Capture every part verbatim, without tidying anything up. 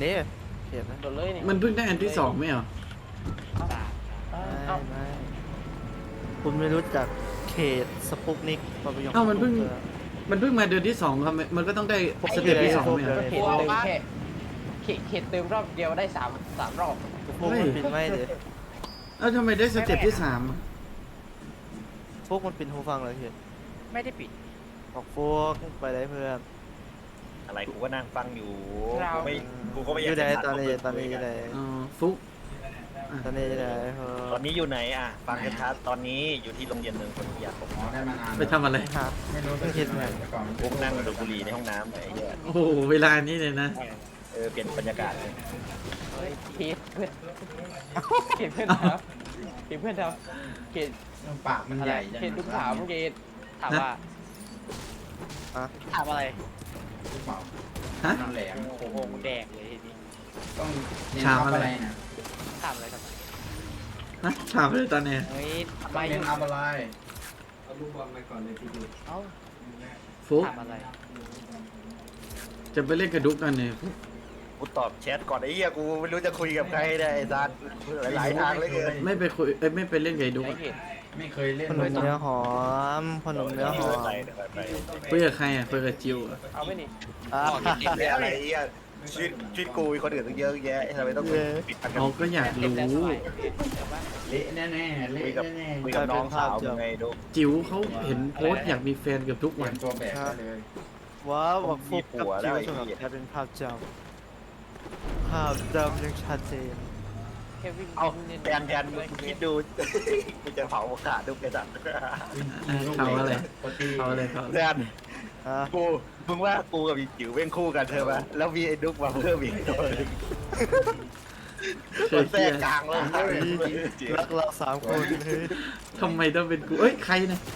ด้เขตนะโดนเลยนี่มันเพิ่งได้อันที่สองไม่เหรอเอ้าไม่ไม่คุณไม่รู้จักเขตสปุกนิกปะยงเอ้ามันเพิ่ง มันเพิ่งมาเดือนที่สองครับมันก็ต้องได้สเต็ปที่สองไม่เหรอเขตเติมแค่เขตเขตเติมรอบเดียวได้สามสามรอบพวกมันปิดไม่เลยเอ้าทำไมได้สเต็ปที่สามอะพวกมันปิดหูฟังเลยเขตไม่ได้ปิดบอกพวกไปได้เพื่อนอะไรกูก็นั่งฟังอยู่เรากูไม่กูก็ไม่อากอยยู่ไหนจะตอนนี้ขัดตอนนี้อยู่ไหนอ๋อฟุกตอนนี้อยู่ไหนเอตอนนี้อยู่ไหนอ่ะฟังกันชัดตอนนี้อยู่ที่โรงเรียนเมืองคนอยากผมอ๋อได้มานานไปทำอะไรหาไม่รู้เพิ่งเห็นเหมือนแต่ก่อนมันพวกนั่งดูดบุหรี่ในห้องน้ำไอ้เหี้ยโอ้โหเวลานี้เลยนะเออเปลี่ยนบรรยากาศเลยเฮ้ยเขตเพื่อนเขตเพื่อนครับเขตเพื่อนครับเขตปากมันอะใหไรญ่จังเขตลูกถามเขตถามว่าอ่ะถามอะไรลูกเปล่าฮะมันแหลมโอ้โหแดกเลยทีนี้ต้องเน้นถามอัพอะไรอะไรนะถามอะไรครับฮะถามเลยตอนเนี้ยเฮ้ยต้ไม่องเน้นอัพอะไรเอ้าฟุกถามอะไรจะไปเล่นกระดุกกันเนี่ยฟุกกูตอบแชทก่อนไอ้เหี้ยกูไม่รู้จะคุยกับใครได้ไอ้ซันหลายๆทางเลยเกินไม่ไปคุยเอ้ยไม่ไปเล่นกับไอ้ดุกไอ้อะเขตไม่เคยเล่นขนมเนื้อหอมขนมเนื้อหอมไปไปไปคุยกับใครอ่ะคุยกับจิวอะเอาไม่นี่อ่ะไม่อะไรไอ้เหี้ยชีวิตชีวิตกูมีคนอื่นตั้งเยอะแยะทำไมต้องปิดปากกัเขาก็อยากเล่นรู้แล้วสบายเดี๋ยวว่าเละแน่ๆเละแน่คุยกับน้องสาวมึงไงดูจิ๋วเขาเห็นโพสต์อยากมีแฟนเกับทุกๆเตรีวัยนมตัวแบกได้เลยว้าวบอกพวกกับจิวสำหรับแกเป็นภาพจำภาพจำยังชัดเจนแค่วิ่งเอาแทนแทนมึงคิดดูกูจะเผาขาดดูกระสันเขาอะไรปกติเขาอะไรเขาแทนอ่ะกูมึงว่ากูกับอีจิ๋วเว้งคู่กันเธอปะแล้วมีไอ้ดุ๊กมาเพิ่มอีกตัวหนึงเคตัวยเคแทรรียกดกลางแล้วจิ๋วรักเราสามคนเฮ้ยทำไมต้องเป็นกูเอ้ยใครนะ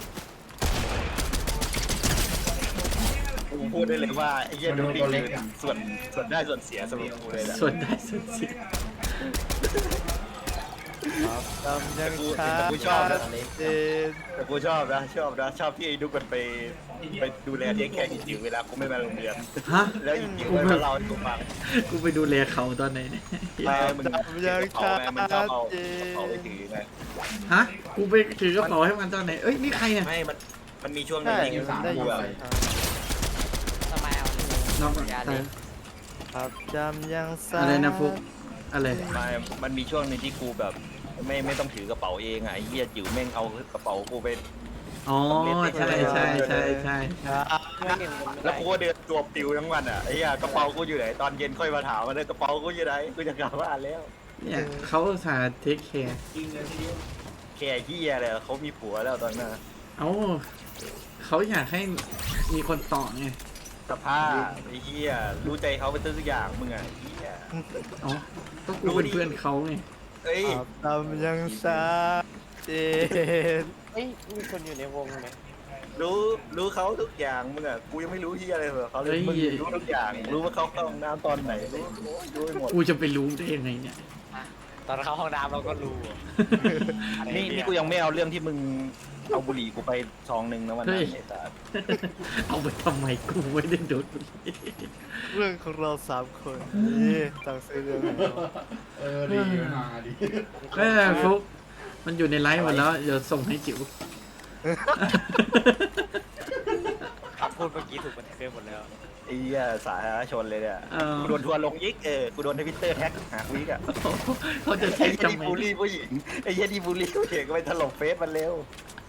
กูพูดได้เลยว่าไอ้เหี้ยดุ๊กนี่คือส่วนส่วนได้ส่วนเสียสำหรับกูเลยแหละส่วนได้ส่วนเสียจำยังชัดเจนแต่กูชอบนะชอบนะชอบที่ไอ้ดุ๊กมันไปไปดูแลเทคแคร์อีจิ๋วเวลากูไม่มาโรงเรียนฮะแล้วอีจิ๋วมันมาเล่าให้กูฟังกูไปดูแลเขาตอนไหนเนี่ยเออมันจำยังเผาชัดไงมันชอบเอาเจเผาไปนถือไงฮะกูไปถือกระเป๋าให้มันตอนไหนเอ้ยนี่ใครเนี่ยไม่มันมันมีช่วงหนึใช่งที่ได้กูยินแบบทำไมเอาน้องอย่าอะเลยภาพจำยังชัดอะไรนะฟุกอะไรไม่มันมีช่วงหนึงที่กูแบบไม่ไม่ต้องถือกระเป๋าเองอ่ะไอ้เหี้ยจิ๋วแม่งเอากระเป๋ากูไปอ๋อใช่ใช่ใช่ใช่ไม่เล่นกันไม่แล้วได้กูก็เดินตัวปิวทั้งวันอ่ะไอ้เหี้ยกระเป๋ากูอยู่ไหนตอนเย็นค่อยมาถามมันเลยกระเป๋ากูอยู่ไหนกูจะกลับบ้านแล้วเนี่ยเขาอุตสาห์เทคแคร์แค่เหี้ยเลยเขามีผัวแล้วตอนนั้นเอ้าเขาอยากให้มีคนต่อไงสภาพไอ้เหี้ยรู้ใจเขาเป็นทุกอย่างมึงอ่ะไอ้เหี้ยอ๋อก็กูเป็นเพื่อนเขาไงเอ้ยภาพจำยังชัดเจนเฮ้ยมีคนอยู่ในวงไหมรู้รู้เขาทุกอย่างมึงอ่ะกูยังไม่รู้เหี้ยอะไรเหรอเขาเลยมึงรู้ทุกอย่างรู้ว่าเขาเข้าห้องน้ำตอนไหนรู้รู้ไปหมดกูจะไปรู้ได้ยังไงเนี่ยตอนเข้าห้องน้ำเราก็รู้นี่นี่กูยังไม่เอาเรื่องที่มึงเอาบุหรี่กูไปซองหนึ่งนะวันนั้นไอ้สัสเอาไปทำไมกูไม่ได้ดูดเรื่องของเราสามคนนี่ต่างซื้อเรื่องของเราเออดีมาดีแม่ฟุกมันอยู่ในไลฟ์หมดแล้วเดี๋ยวส่งให้จิ๋วคำพูดเมื่อกี้ถูกบันทึกไว้หมดแล้วไอ้เหี้ยสาธารณชนเลยเนี่ยเออกูโดนทัวร์ลงยิกเออกูโดนทวิตเตอร์แท็กหาวิกอ่ะเขาจะไอ้เช็คเหี้ยจำที่ไหมบูลลี่ผู้หญิงไอ้เหี้ยที่บูลลี่ผู้หญิงก็ไปถล่มเฟซมันเร็ว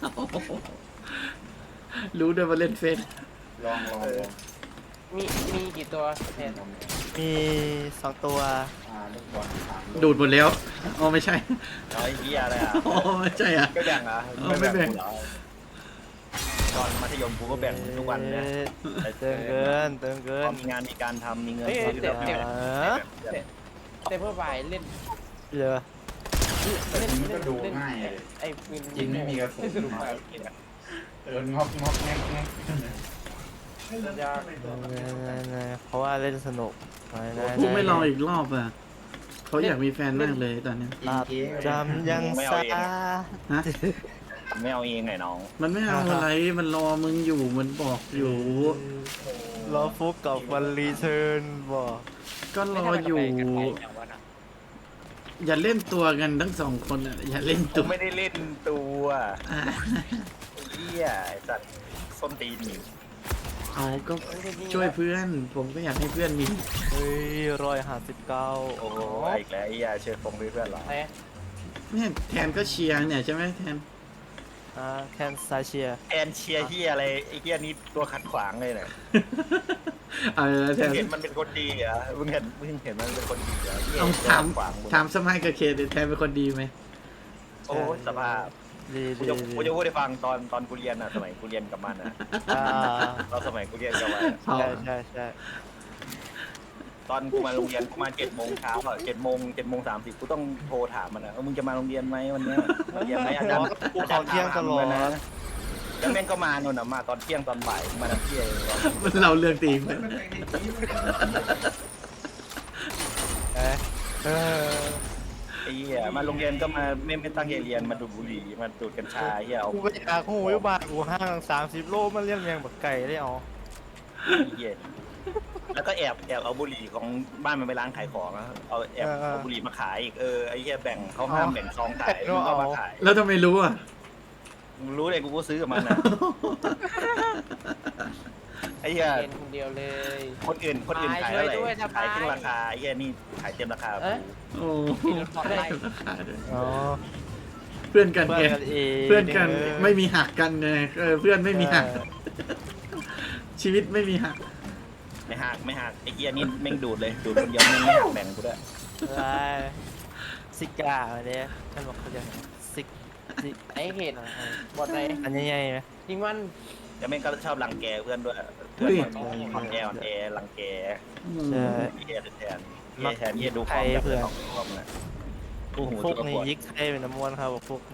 รู้ด้วยว่าเล่นเฟซลองลองลองมีมีกี่ตัวแทนมีสองตัวอ่าลูกบอลสามดูดหมดแล้วอ๋อไม่ใช่เอาไอ้เหี้ยอะไรอ่ะอ๋อไม่ใช่อ่ะไม่แบ่งอ่ะเออไม่แบ่งกูเหรอตอนมัธยมกูก็แบ่งทุกวันนะเติมเกินเติมเกิพอน มีงานมีการทำมีเงินเฮ้ยทำเต็มแบ่งเต็มเออแบ่งเต็มเพื่อบ่ายเล่นเหลือเล่นมันก็ดูเล่นง่ายเลยไอ้ปืนจริงไม่มีกระสุนสนุกมากเอองอกงอกแงกแงกยากเพราะว่าเล่นสนุกกูไม่รออีกรอบอ่ะเขาอยากมีแฟนมากเลยตอนเนี้ยภาพจำยังซาฮะไม่เอาเองไงน้องมันไม่เอาอะไรมันรอมึงอยู่มันบอกอยู่รอฟุกกับวันรีเทิร์นบอกก็รออยู่ อย่าเล่นตัวกันทั้งสองคนอ่ะอย่าเล่นผตัวมไม่ได้เล่นตัวอ่ะเฮียไอ้สัตว์ส้นตีนอยู่เอาก็ช่วยเพื่อน ผมก็อยากให้เพื่อนมีเฮ้ยร้อยห้าสิบเก้าโอ้โหอีกแล้วไอ้เฮียเชิญฟงด้วยเพื่อนเหรอแต่เนี่ยแทนก็เชียร์เนี่ยใช่ไหมแทนอ่าแคนซาเชียแอนเชียร์เฮียอะไรไอ้เฮียนี่ตัวขัดขวางเลยเนี่ยเอาละแทมึงนเห็นมันเป็นคนดีเหรอมึงเห็นมึงเห็นมันเป็นคนดีเหรอเฮียต้องถามตัวขัดขวางมึงถามสมัยกับเคดิแทนเป็นคนดีไหมโอ้ยสภาพดีกูดีจะดีกูจะพูดให้ฟังตอนตอนกูเรียนอ่ะสมัยกูเรียนกับมันอ่ะอ่าตอนสมัยกูเรียนกับมันพอใช่ใช่ใช่ตอนกูมาโรงเรียนกูมาเจ็ดโมงเช้าอ่ะเจ็ดโมงเจ็ดโมงสามสิบกูต้องโทรถามมันอ่ะว่ามึงจะมาโรงเรียนไหมวันเนี้ยมาเรียนไหมอาจารย์กูเข้าเที่ยงตลอดนะ แล้วแม่งก็มาโน่นน่ะมาตอนเที่ยงตอนบ่ายมาตอนเที่ยงมันเราเรื่องตีมเอ๊ะเออไอ้เหี้ยมาโรงเรียนก็มาไม่ไม่ตั้งใจเรียนมาดูดบุหรี่มาดูดกัญชาเหี้ยเอากูไปอยากหูอยู่บ้านกูห้างสามสิบโลมาเลี้ยงแมงบักไก่ได้เอาไอ้เหี้ยแล้วก็แอบแอบเอาบุหรี่ของบ้านมันไปร้านขายของอะเอาแอบเอาบุหรี่มาขายอีกเออไอ้เหี้ยแบ่งเขาห้ามแบ่งซองขายมึงก็มาขายแล้วทำไมรู้อ่ะมึงรู้เลยกูก็ซื้อกับมันนะไอ้เหี้ยเรียนคนเดียวเลยคนอื่นคนอื่นขายเท่าไหร่ช่วยด้วยนะขายครึ่งราคาไอ้เหี้ยนี่ขายเต็มราคาเอ๊ะโอ้มีรถบอกได้อ๋อเพื่อนกันเพื่ไงอนกันเองเพื่อนกันไม่มีหักกันไงเออเพื่อนไม่มีหัก ชีวิตไม่มีหักไม่หักไม่หักไอ้เหี้ยนี่แม่งดูดเลยดูดคนเดียวแม่งไม่หักแบ่งกูด้วยอะไรซิกาเนี่ยท่านบอกเขาจะซิกซิกไอ้เหตุบอดไหนอันนี้ใหญ่ไหมจริงมันแล้วแม่งก็ชอบรังแกเพื่อนด้วยเพื่อนอ่อนแออ่อนแอรังแกใช่เฮียแทนเฮียแทนเฮียดูความแบบของความน่ะกูหูพวตัวกนี้ปวดยิกให้เป็นน้ำมันครับพวกนี้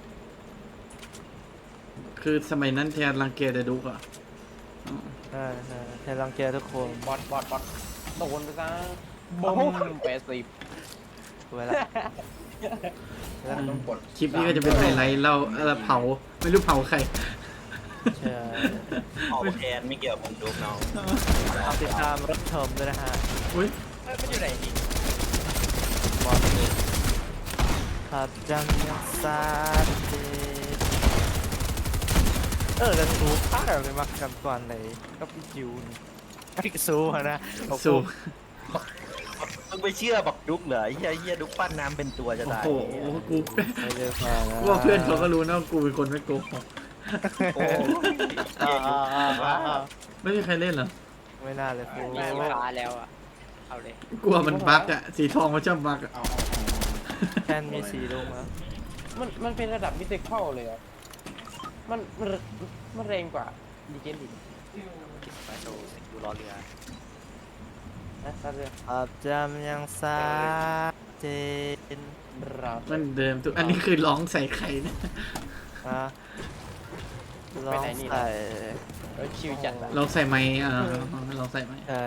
คือสมัยนั้นแทนรังเกียจแต่ดุกอ่ะอ๋อใช่ใช่แทนรังแกทุกคนบอดบอดบอดโดนไปซะบุ้มแปดสิบเวลาต้องกดคลิปนี้ก็จะเป็นไฮไลท์เราเราเผาไม่รู้เผาใครใช่ออกแทนไม่เกี่ยวกับผมดูน้องเอาติดตามรับชมด้วยนะฮะอุ้ยมันอยู่ไหนนี่บอลขับจังยังซาเดเออแต่ซูภาคอะไรมากันก่อนไหนก็พี่จิวนี่ไอ้ซูอะนะสู้มึงไปเชื่อบอกดุกเหรอเฮียเฮียดุกปั้นน้ำเป็นตัวจะโอ้ตายโหกูไม่ได้ฟังกูว่าเพื่อนเขาก็รู้นะว่ากูเป็นคนไม่โกหกโอ้เฮียดุกว่าไม่มีใครเล่นเหรอไม่น่าเลยฟูมีเวลาแล้วอ่ะเอาเลยกลัวมันบั๊กอ่ะสีทองมันชอบบั๊กอ่ะเอาเอาเอาแค่มีสีลงแล้วมันมันเป็นระดับมิเตเข้าเลยอ่ะมันมันมันแรงกว่าดีเจนดิไปโชว์สิดูรอเรือนะตาเรือขับจำยังซาเจนเรามันเดิมทุกอันนี้คือร้องใส่ใครนะฮะลองใส่เราชิวจัดอะลองใส่ไม้อ่าลองใส่ไม้เออ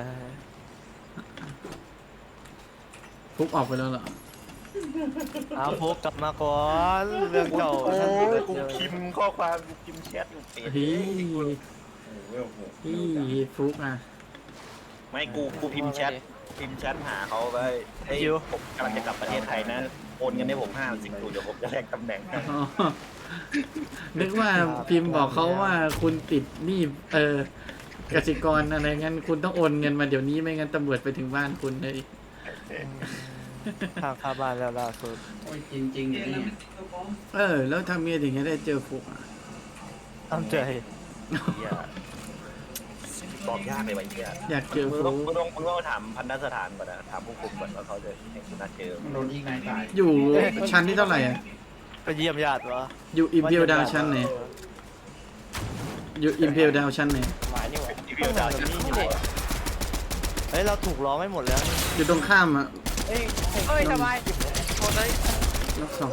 ฟุกออกไปแล้วเหรอเอาพกกลับมาก่อนเรื่องเก่าโอ้ท่านยเกิดกูเจอพิมพ์ข้อความกูพิมพ์แชทอยู่เป็ดเฮ้ยโอ้เวลหกเฮ้ยฟุกอ่ะไม่กูกูพิมพ์แชทพิมพ์แชทหาเขาไปเฮ้ยผมกำลังจะกลับประเทศไทยนะโอนเงินให้ผมห้าสิบตูเดี๋ยวผมจะแลกตำแหน่งให้อ๋อนึกว่าพิมพ์บอกเขาว่าคุณติดหนี้เออกสิกรอะไรงั้นคุณต้องโอนเงินมาเดี๋ยวนี้ไม่งั้นตำรวจไปถึงบ้านคุณเลยทางเข้าบ้านแล้วล่าสุดโอ้ยจริงจริงๆนี่เออ แล้วทำเมียถึงจะได้เจอฟุกอ่ะตั้งใจเหี้ยบอกยากเลยว่ะเฮียอยากเจอมึงฟุต้องกมึงต้องมึงต้องถามพันธสถานก่อนนะถามผู้คุมก่อนว่าเขาจะให้คุณนัดเจอมันโดนยิงนายตายอยู่ชั้นที่เท่าไหร่อ่ะไปเยี่ยมญาติวะอยู่อิมเพียวดาวชั้นไหนอยู่อิมเพียวดาวชั้นไหนหมายนี่หว่ารีวิวดาวจะมีอยู่เฮ้ยเราถูกร้องไม่หมดแล้วอยู่ตรงข้ามอ่ะเอ้ยเอ้ยสบายโคนเลยล็อกสอง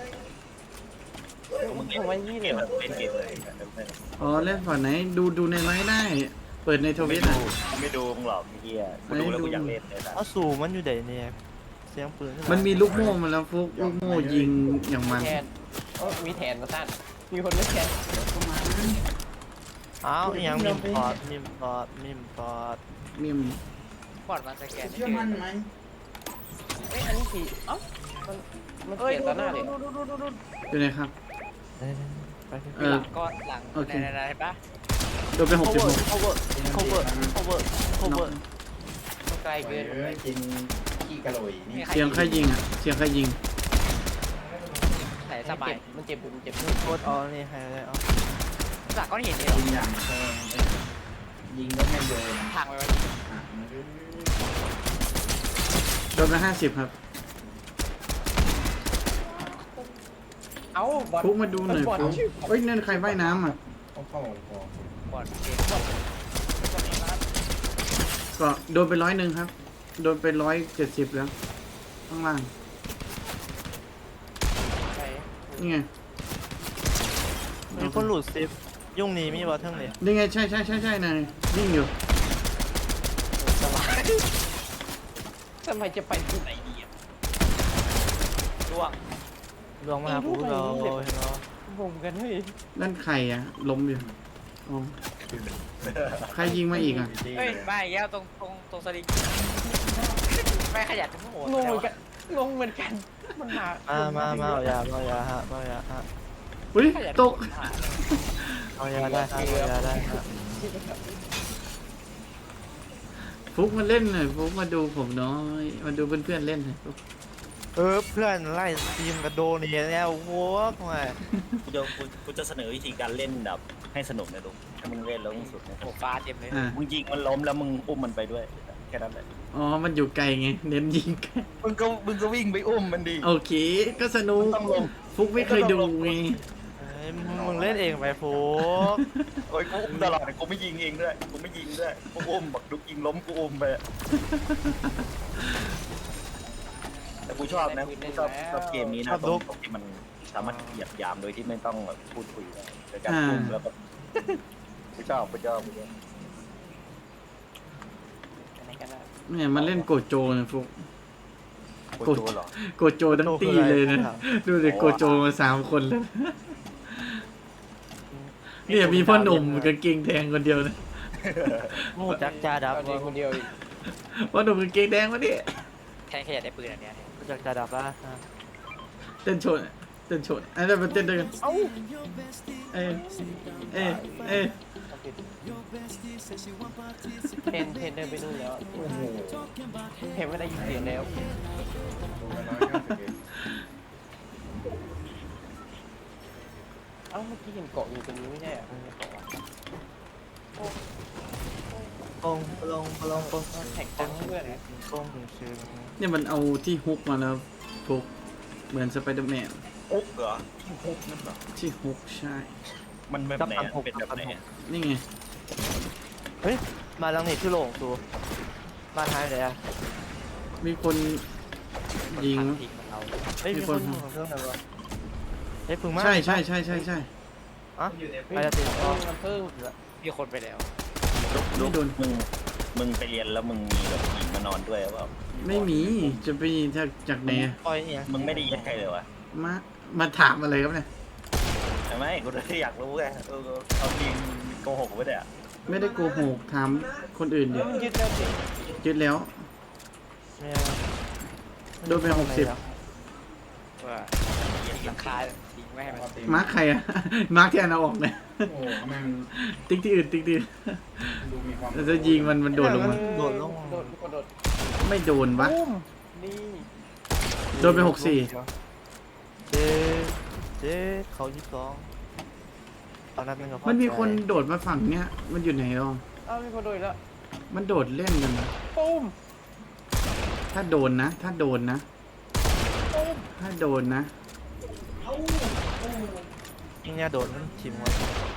มึงเล่นทำไมนี่เกเลยมแบบเล่นเกมเลยอ๋อเล่นฝั่งไหนดูดูในไลน์ได้ เปิดในทวิตอ่ะไม่ดูมึงหรอกเฮียกูดูแล้วกูอยากเล่นเลยนะเอาสู่มันอยู่ไหนเนี่ยเสียงปืนมันมีลูกโม่มาแล้วฟุกลูกโม่ยิงอย่างมันแทนเอ้ยมีแทนมาสั้นมีคนไม่แคร์เข้ามาอ้าวยังมิมพอดมิมพอดมิมพอดมิมบอดมาสแกนเชื่อมั่นไหมเอ้ยอันนี้ผีเอ้ามันมันเปลี่ยนต่อหน้าเลยอยู่ไหนครับไปเออก้อนหลังโอเคไหนๆๆเห็นปะโดนไปหกสิบหก cover cover cover cover มันไกลเอเกินอกินขี้กะโหลยนี่เสียงใครยิงอ่ะเสียงใครยิงใส่สบายมันเจ็บมันเจ็บโคตรเอานี่ให้เลยเอาจากก้อนหินเลยเหรอยิงอย่างแพงยิงก็ไม่โดนทางไปวันอ่ะโดนไปห้าสิบครับเอ้าบอลฟุกมาดูหน่อยบอลฟุกเอ้ยนั่นใครว่ายน้ำอ่ะเอาเข้าพอบอดเกมก็โดนไปร้อยหนึ่งครับ โดนไปร้อยเจ็ดสิบแล้ว ข้างล่างใช่นี่ไงมีคนหลุดซิปยุ่งนี้มีบอทเทิงเลยนี่ไงใช่ใช่ใช่ใช่นายวิ่งอยู่สบายทำไมจะไปที่ไหนดีอ่ะร่วงลวงมาหาผู้เราเห็นเนาะงงกันเฮ้ยนั่นใครอ่ะ ล้มอยู่อ๋อใครยิงมาอีกอ่ะเฮ้ยมาอีกแล้วตรงตรงตรงสลิงไม่ขยันทั้งหมดงงเหมือนกันงงเหมือนกันมันมามามามาเอายาเอายาฮะเอายาฮะอุ้ยตกเอายาได้ฮะเอายาได้ฮะฟุกมาเล่นหน่อยฟุกมาดูผมน้อย มาดูเพื่อนๆเล่นหน่อยฟุกเออเพื่อนไล่ทีมกระโดนเนี่ยแล้วโว้ยไงกูจะกูกูจะเสนอวิธีการเล่นแบบให้สนุกนะลูกถ้ามึงเล่นแล้วมึงสุดนะโอ้ฟ้าเต็มเลยอ่ามึงยิงมันล้มแล้วมึงอุ้มมันไปด้วยแค่นั้นแหละอ๋อ มันอยู่ไกลไง เน้นยิงไกลมึงก็มึงก็วิ่งไปอุ้มมันดีโอเค ก็สนุกต้องลงฟุกไม่เคยดูไงเอ้ยมึงเล่นเองไปโฟกโอ้ยกูอุ้มตลอดกูไม่ยิงเองด้วยกูไม่ยิงด้วยกูอุ้มบอกลูกยิงล้มกูอุ้มไปแต่กูชอบนะกูชอบชอบเกมนี้นะตรงตรงที่มันสามารถเหยียบยามโดยที่ไม่ต้องแบบพูดคุยได้โดยการอุ้มแล้วแบบกูชอบกูชอบกูชอบอะไรกันนะเนี่ยมันเล่นโกโจนะฟุกกูโจเหรอโกโจทั้งตีเลยนะ ดูเลยโกโจมาสามคนแล้วเนี่ยมีพ่อหนุ่มกางเกงแดงคนเดียวนะมูจักจ่าดับเอาดีคนเดียวอีกพ่อหนุ่มกางเกงแดงวะเนี่ยแค่แค่อยากได้ปืนอันเนี้ยมูจักจ่าดับละเต้นโชว์เต้นโชว์อันนั้นมาเต้นด้วยกันเอ้าเอ้ยเอ้ยเอ้ยเทนเทนเดินไปนู่นแล้วโอ้โหเห็นว่าได้ยินเสียงแล้วตัวละร้อยเก้าสิบเอ็ดเอ้าเมื่อกี้เห็นเกาะอยู่ตรงนี้ไม่ใช่เหรอมันเกาะวะปงปลงปลงปงแท็กจังเพื่อนปงชื่อเนี่ยมันเอาที่ฮุกมาแล้วฟุกเหมือนสไปเดอร์แมนอุ๊บเหรอที่ฮุกนั่นเหรอที่ฮุกใช่มันแบบไหนอะเป็นแบบไหนอะนี่ไงเฮ้ยมาลังนี่ชื่อโหลงตูมาท้ายเลยอ่ะมีคนยิงทางทิ้งมันเราเฮ้ยมีคนของเครื่องไหนวะเฮ้ยพึ่งมาใช่ใช่ใช่ใช่ใช่อ่ะเฮ้ยไปจะติดเพิ่งมันเพิ่งมีคนไปแล้วไม่โดนมึงมึงไปเรียนแล้วมึงมีแบบหญิงมานอนด้วยหรือเปล่าไม่มีจะไปจากจากไหนอะปล่อยเนี่ยมึงไม่ได้เย็ดใครเลยวะมามาถามอะไรครับเนี่ยใช่ไหมกูเลยอยากรู้ไงเออเอาจริงโกหกไม่ได้อะไม่ได้โกหกถามคนอื่นดิมันยึดแล้วสิยึดแล้วไม่โดนไปหกสิบว่าหลังคาทิ้งไม่ให้มันมาร์คใครอะ มาร์คที่อันเอาออกเนี่ยโอ้โหแม่งติ๊กที่อื่นติ๊กที่อื่นดูมีความแล้วจะยิงมันมันโดดลงมาโดดลงโดดกระโดดไม่โดนวะปุ้มนี่โดนไปหกสี่เจ๊เจ๊เขายี่สิบสองตอนนั้นเป็นกับพ่อมันมีคนใจโดดมาฝั่งเนี้ยมันอยู่ไหนหรอเอ้ามีคนโดดอีกแล้วมันโดดเล่นกันนะปุ้มถ้าโดนนะ ถ้าโดนนะปุ้มถ้าโดนนะนี่เนี่ยโดดมันชิมวะ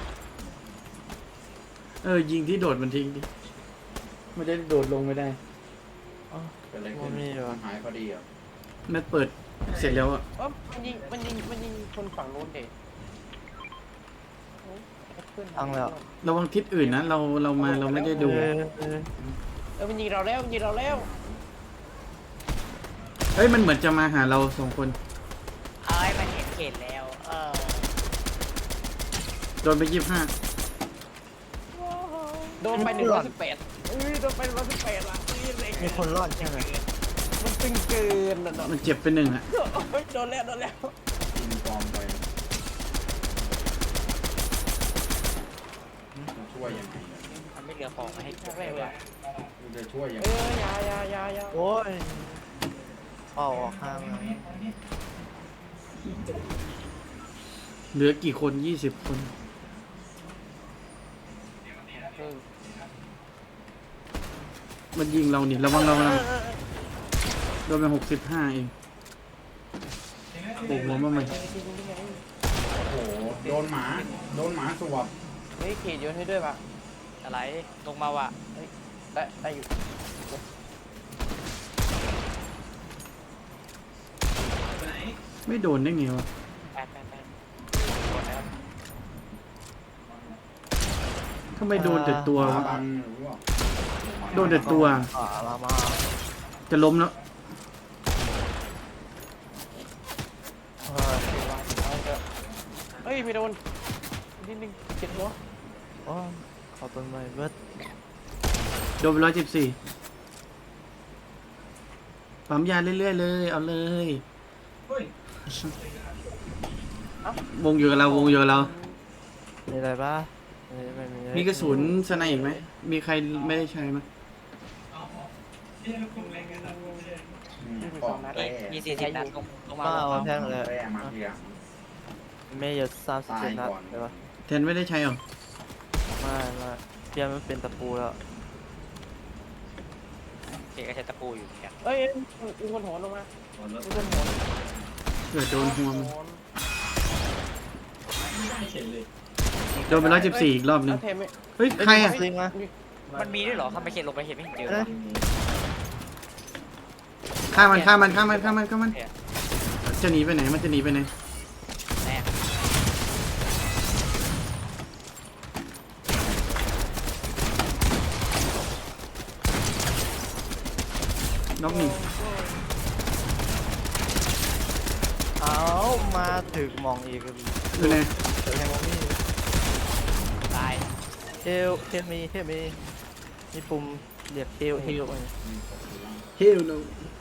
เออยิงที่โดดมันทิ้งดิไม่ได้โดดลงไม่ได้เป็นอะไรขึ้นมันหายพอดีอ่ะมันเปิดเสร็จแล้วอะเอ้ามันยิงมันยิงมันยิงคนฝั่งโน้นเด็กอังแล้วระวังทิศอื่นนะเราเรามาเราไม่ได้ดูเออเออเออมันยิงเราแล้วมันยิงเราแล้วเฮ้ยมันเหมือนจะมาหาเราสองคนเอ้ยมันเห็นเขตแล้ว เออโดนไปยี่สิบห้าโดนไปหนึ่งร้อยสิบแปดเอ้ยโดนไปหนึ่งร้อยสิบแปดละนี่เลยมีคนรอดใช่ไหมมันตึงเกินนะเนาะมันเจ็บไปหนึ่งอะเฮ้ยโดนแล้วโดนแล้วยิงปลอมไปจะช่วยยังไงอะมันไม่เหลือของมาให้แรกเลยอะกูจะช่วยยังเอไงอยายายายาโอ้ยเป่าออกข้างเลยเหลือกี่คนยี่สิบคนเออมันยิงเรานี่ระวังเรานะโดนไปหกสิบห้าเองโอ้โหมาใหม่โอ้โหโดนหมาโดนหมาสวบเฮ้ยเขตโยนให้ด้วยป่ะอะไรลงมาว่ะได้ได้อยู่ไม่โดนได้ไงวะแปดแปดแปดหมดแล้วทำไมโดนแต่ตัววะบังหรือว่าโดนแต่ตัวอ่าลามาจะล้มแล้วเฮ้ยเฮ้ยไม่โดนนิดนึงเจ็บหัวโอ้ยขอต้นไม้เบิดโดนไปร้อยสิบสี่ปั๊มยาเรื่อยๆเลยเอาเลยวงอยู่กับเราวงอยู่กับเรามีอะไรบ้างไม่ไม่มีมีกระสุนสไนอีกไหมมีใครไม่ได้ใช้ไหมอืมยี่สิบปสอองมนัดเอ้ยมีสี่สิบนัดลงลงมามาลเอางมาแท่งเลยแร่มาทีหลังไม่เยอะสามสิบเจ็ดนัดใช่ปะแทนไม่ได้ใช้หรอไม่ไม่เพียงมันเป็นตะปูแล้วเกก็ใช้ตะปูอยู่แกเอ้ยมีคนโหนลงมามีคนโหนเกิดโดนหัวมันโหนโดนไปร้อยสิบสี่อีกรอบหนึงแล้วเทมไม่เฮ้ยใครอ่ะจริงไหมมันมีด้วยเหรอทำไมเขตลงไปเห็นไม่เห็นเจอวะฆ่ามันฆ่ามันฆ่ามันฆ่ามันฆ่ามันโอเคจะหนีไปไหนมันจะหนีไปไหนแน่น็อกหนึ่งเอามาถึงมองอีกอยู่ไหนเดี๋ยวยังมองไม่ตายเฮลเฮลมีเฮลมีมีปุ่มเรียกเฮลเฮลอะไรเฮลโน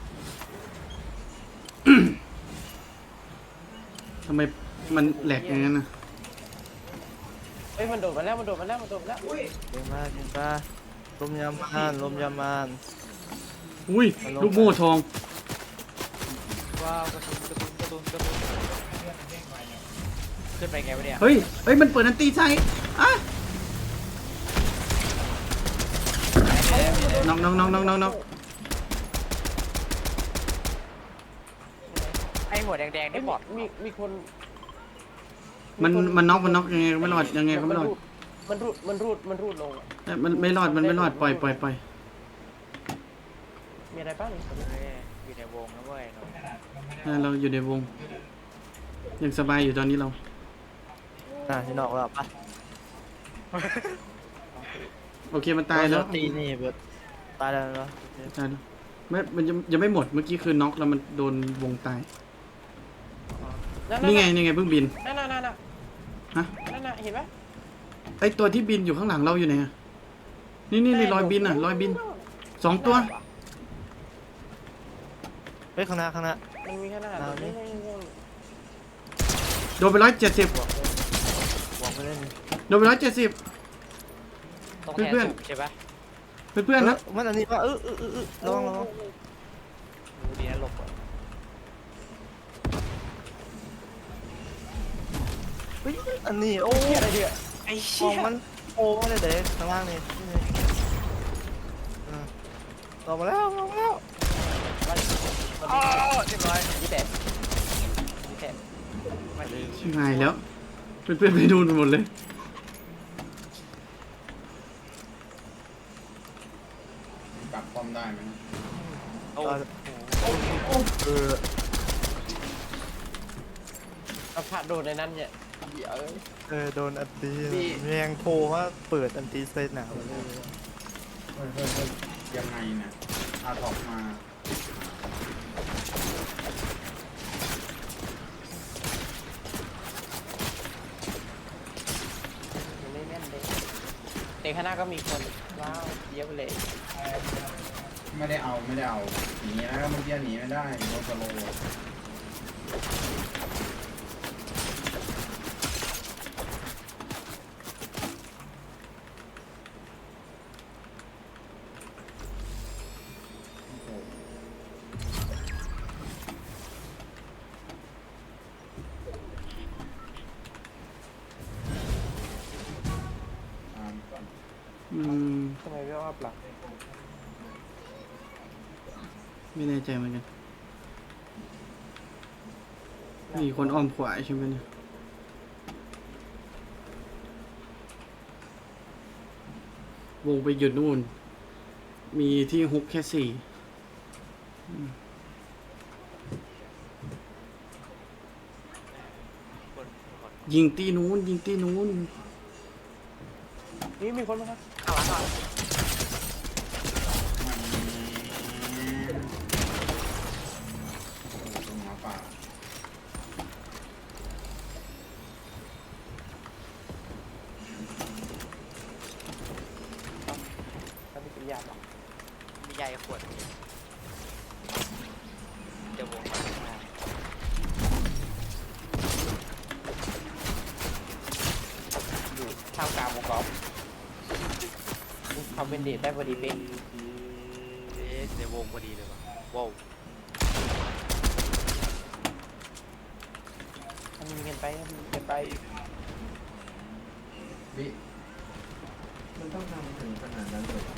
ทำไมมันแหลกอย่างนั้นนะเฮ้ยมันโดดมาแล้วมันโดดมาแล้วมันโดดมาแล้วเก่งมากเก่งมากลมยามานลมยามานอุ้ยลูกโม่ทองว้าวกระสุนกระสุนกระสุนกระสุนขึ้นไปไงวะเนี่ยเฮ้ยเฮ้ยมันเปิดอันตีใส่อ่ะน็อกน็อกน็อกน็อกน็อกน็อกไอ้หัวแดงๆนี่บอดมีมีคนมันมันน็อกมันน็อกยังไงก็ไม่รอดยังไงก็ไม่รอดมันรูดมันรูดมันรูดลงอะเอ้ยมันไม่รอดมันไม่รอดปล่อยปล่อยปล่อยมีอะไรบ้างเฮ้ยอยู่ในวงนะเว้ยเนาะอ่ะเราอยู่ในวงยังสบายอยู่ตอนนี้เราอ่ะที่นอกแล้วปะโอเคมันตายแล้วตีนี่เบิดตายแล้วเนาะตายแล้วไม่มันยังยังไม่หมดเมื่อกี้คือน็อกแล้วมันโดนวงตายนี่ไงนี่ไงเพิ่งบินนั่นน่ะนั่นน่ะฮะนั่นน่ะเห็นไหมไอตัวที่บินอยู่ข้างหลังเราอยู่ไหนอะนี่นี่นี่รอยบินอ่ะรอยบินสองตัวเฮ้ยข้างหน้าข้างหน้ามันมีขนาดเอาดิโดนไปร้อยเจ็ดสิบหวังไปเล่นโดนไปร้อยเจ็ดสิบตรงแทนเพื่อนสุกใช่ปะเพื่อนๆนะมันอันนี้ว่าเออเออเออเออระวังระวังดูดีนะหลบก่อนเฮ้ยอันนี้โอ้เหี้ยอะไรเดียไอ้มเชี่อย งมันโอ้ไม่ได้เด็กข้างล่างนี่นี่อ่ะลงมาแล้วลงมาแล้วอ๋อเรียบร้อยยี่แปดยี่แปดมาดีชิบหายแล้ว เพื่อนๆไปดูหมดเลยปรับความได้ไหมนะโอ้เออเอาผ่าโดนในนั้นเนี่ยเดี๋ยวเออโดนอันตีพี่แมงโผล่ว่าเปิดอันตีเซตหนาวเลยเฮ้ยเฮ้ยเฮ้ยยังไงเนี่ยอาถอกมาในข้างหน้าก็มีคนว้าวเยอะไปเลยไม่ได้เอาไม่ได้เอาหนีนะเมื่อกี้หนีไม่ได้โดนสโลว์โอ้โหตามก่อนอืมทำไมไม่ว่าปลักไม่แน่ใจเหมือนกันมีคนอ้อมขวาใช่ไหมเนี่ย วงไปหยุดนู่น มีที่ฮุกแค่สี่อืมคนคนยิงตีนู้น ยิงตีนู้นนี่มีคนมาครับข้างหลังก่อนตรงหมาป่าถ้าไม่กินยาหรอกมีใหญ่ขวดเดี๋ยววงมาข้างหน้าอยู่ท่ามกลางวงกอล์ฟทำเป็นเดทได้พอดีเป๊ะเอ๊ะในวงพอดีเลยวะว้าวทำมีเงินไปทำมีเงินไปวิมันต้องทำถึงขนาดนั้นเลยเหรอ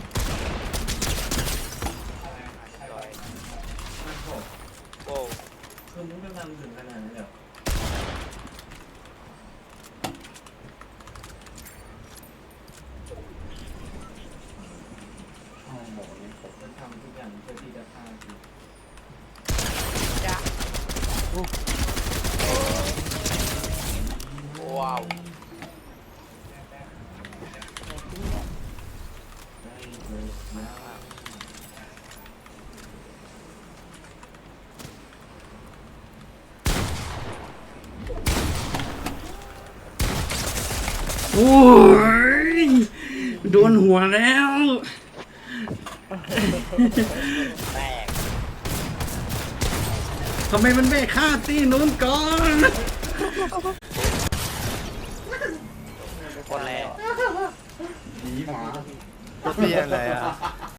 ร้อยมันโหดว้าวคือมึงต้องทำถึงขนาดนั้นเลยเหรอโอ้โหเนี่ยผมจะทำทุกอย่างเพื่อที่จะฆ่าคุณจ้ะว้าวได้เลยนะโอ้ย โดนหัวแล้วแตกทำไมมันไม่ฆ่าตีนู้นก่อนคนแรงหนีหมาตัวเตี้ยอะไรอ่ะ